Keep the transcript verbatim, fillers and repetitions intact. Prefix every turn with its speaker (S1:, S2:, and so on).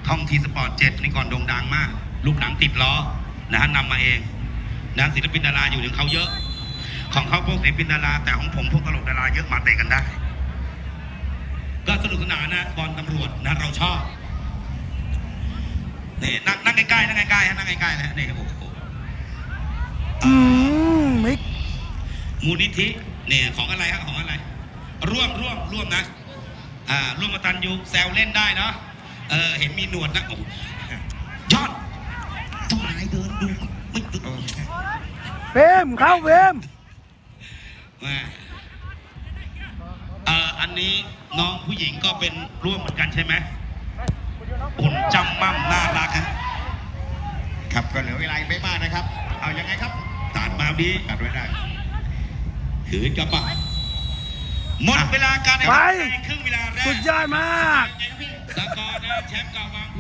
S1: ท่องทีสปอร์ตเจ็ดนี่ก่อนโด่งดังมากลูกหนังติดล้อนะฮะนำมาเองนะศิลปินดาราอยู่ถึงเขาเยอะของเขาพวกศิลปินดาราแต่ของผมพวกตลกดาราเยอะมาเตะกันได้ก็สนุกสนานนะบอลตำรวจนะเราชอบนี่นั่งนั่งใกล้ๆนั่งใกล้ๆฮะนั่งใกล้ๆนะนี่โอ้โห
S2: อืมมิก
S1: มูลนิธิเนี่ยของอะไรฮะของอะไรร่วมร่วมร่วมนะอ่าร่วมกตัญญูแซวเล่นได้เนาะเออเห็นมีหนวดนะโอ้ยอดเจ้านายเดินดูไม่ตึก
S2: เฟมเข้าเฟม
S1: แม่เอ่ออันนี้น้องผู้หญิงก็เป็นร่วมเหมือนกันใช่ไหมหุ่นจำมั่มน่ารักฮะ
S3: ครับก็เหลือเวลาอีกไม่มากนะครับเอายังไงครับ
S1: ตัดมาดี
S3: ตัดไว้ได้
S1: ถือกระเป๋าหมดเวลาการแข่งขันในครึ่งเวลาแรก
S2: สุดยอดมาก
S1: สกอร์นะแชมป์เก่าบาง